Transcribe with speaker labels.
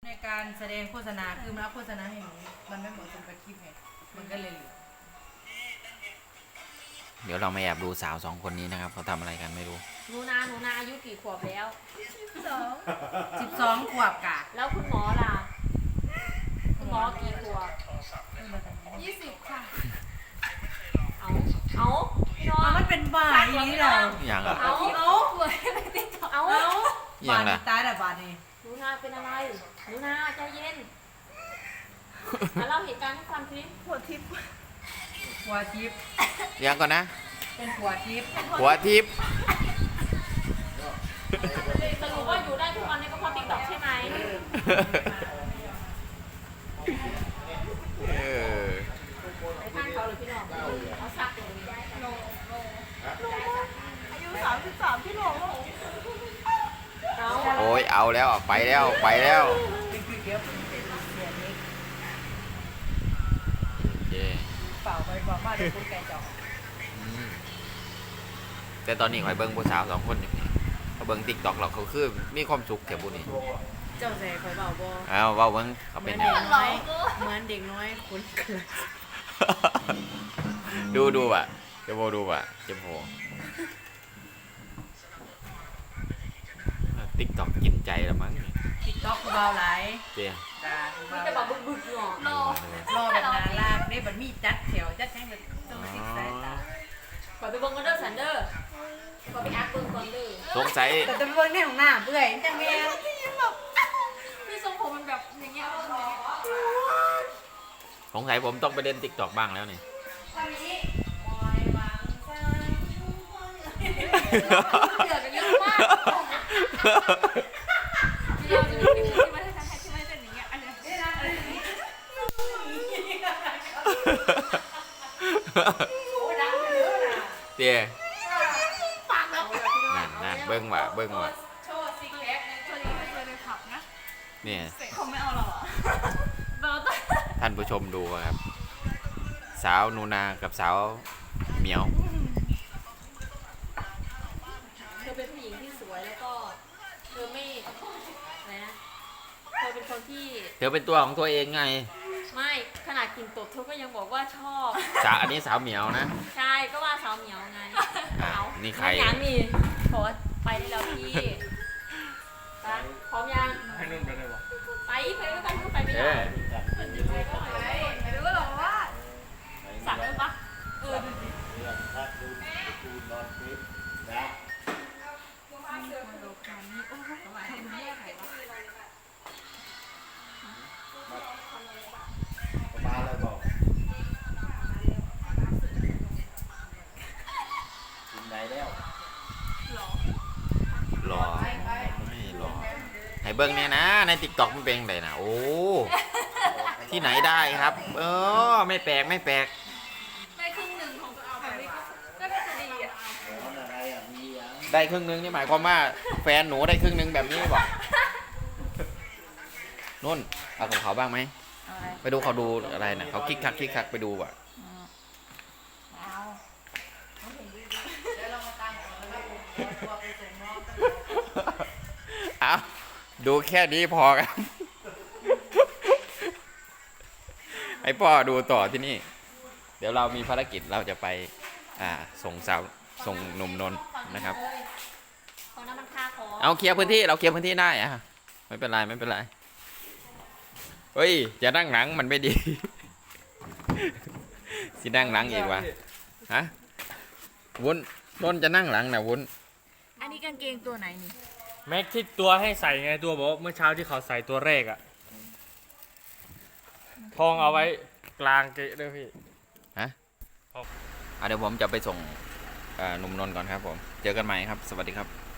Speaker 1: ในการแสดงโฆษณาคือมันเอาโฆษณาให้หนูมันไม่เหมือนกับคลิปไงมันก็เลย
Speaker 2: เดี๋ยวเรามาแอบดูสาว2 คนนี้นะครับเขาทำอะไรกันไม่รู้
Speaker 3: หนูนาอายุกี่ขวบแล้ว
Speaker 1: 12 ขวบกะ
Speaker 3: แล้วคุณหมอล่ะคุณหมอกี่ขวบ
Speaker 4: 20 ค่ะ
Speaker 3: เอาพี่น้อง
Speaker 1: มันเป็นบ่ายนี้เหรอ
Speaker 2: อย่างอ่ะ
Speaker 3: เอา
Speaker 2: อย่างละ
Speaker 1: ตายแต่บาดนี้
Speaker 3: หนูนาเป็นอะไรหนูนาใจเย็นมาเล่าเหตุการณ์ให้ฟังสิ
Speaker 1: หัวทิพย์
Speaker 2: เดี๋ยวก่อนนะ
Speaker 1: เป็นหัวทิพย์
Speaker 2: หัวทิพย์
Speaker 3: สรุปว่าอยู่ได้ทุกวันนี้ก็เพราะติ๊กต็อกใช่ไหมไปข้างเขาหรือพี่น้องเขาซักอยู่ได้โล
Speaker 4: อายุ33พี่หลง
Speaker 2: โอ้ยเอาแล้วไปแล้วโอเค
Speaker 1: เปล่าไปบอกว่าเดี๋ยวคุณแกจอก
Speaker 2: แต่ตอนนี้ข่อยเบิ้งผู้สาว2 คนอยู่นี่เขาเบิ้งติ๊กต็อกหรอกเขาคือมีความสุขแถวบุนี้
Speaker 1: เจ้าใส่ข่อยเบาบ่
Speaker 2: เว้าเบิ้งเขาเป็นยังไง
Speaker 1: เหมือนเด็กน้อยคนเกิด
Speaker 2: ดูอ่ะจะโบดูอ่ะจะโบติ๊กต็อกกินใจละมั้ง
Speaker 1: ติ๊กต็อกเบาไหล
Speaker 2: เจ๊
Speaker 3: มีแต่แบบบึกๆหรอ
Speaker 1: รอแบบนาลากได้แบบมีจัดแถวจัดแท่งแบบต้องติ๊กสายตา
Speaker 3: ขอไปเบิ้งกันเด้อสันเดอร์ขอไปอัพเบิ้งก่อนเด้อ
Speaker 2: สงสัย
Speaker 1: แต่จะเบิ้งในของหน้าเบื่อจังแม่
Speaker 4: พี่ทรงผมมันแบบอย่างเงี้ย
Speaker 2: สงสัยผมต้องไปเล่นติ๊กต็อกบ้างแล้วนี่
Speaker 4: เดือดกันเยอะมากเดี๋ยวจะมีที่ไม่ได้ทำให้ที่ไม่เป็นอย่างเงี้ยอันนี้
Speaker 2: เตี้ยนั่นเบิ้งว่ะ
Speaker 4: โชว์ซิกแพคตัวนี้เป็นตัวในผับนะ
Speaker 2: เนี่ย
Speaker 4: เขาไม่เอาหรอ
Speaker 2: ท่านผู้ชมดูครับสาวนูนากับสาวเหมียว
Speaker 3: เธอเป็นผู้หญิงที่สวยแล้วก็เธอไม่นะเธอเป็นคนที่
Speaker 2: เธอเป็นตัวของตัวเองไง
Speaker 3: ไม่ขนาดกินตดเธอก็ยังบอกว่าชอบ
Speaker 2: อันนี้สาวเหมียวนะ
Speaker 3: ใช่ก็ว่าสาวเหมียวไง
Speaker 2: นี่ใคร
Speaker 3: ยังนี่ขอไปได้แล้วพี่พร้อมยัง
Speaker 5: ให้นุ่นไปได้ปะ
Speaker 3: ไปแล้วกันไปไม่ได้
Speaker 4: ไม่รู้หรอว่า
Speaker 3: สั่งได้ปะ
Speaker 5: ดูดิถ้าดูดูนอนฟิตนะมาเลยบอกถึงไหนแล้ว
Speaker 2: รอไม่รอให้เบิ้งเนี่ยนะในติ๊กต็อกมันเป็นไงนะโอ้ที่ไหนได้ครับไม่แปลก
Speaker 4: ได้ครึ่งหนึ่งของแบบนี้ก็น่าจะดีอ่ะ
Speaker 2: ได้ครึ่งนึงนี่หมายความว่าแฟนหนูได้ครึ่งนึงแบบนี้บอกนุ่นเอาของเขาบ้างไหมไปดูเขาดูอะไรนะเขาคิกคักไปดูอ่ะเอาดูแค่นี้พอครับให้พ่อดูต่อที่นี่เดี๋ยวเรามีภารกิจเราจะไปส่งหนุ่มนนท์นะครับเอาเคลียร์พื้นที่เราเคลียร์พื้นที่ได้อะไม่เป็นไรเฮ้ยจะนั่งหลังมันไม่ดีสินั่งหลังอีกวะฮะวุ้นนนจะนั่งหลังนะวุ้น
Speaker 4: อันนี้กางเกงตัวไหนนี่
Speaker 5: แม็กที่ตัวให้ใส่ไงตัวบอกเมื่อเช้าที่เขาใส่ตัวแรกอะทองเอาไว้กลางเกะด้วยพี่
Speaker 2: ฮะเดี๋ยวผมจะไปส่งหนุ่มนนท์ก่อนครับผมเจอกันใหม่ครับสวัสดีครับ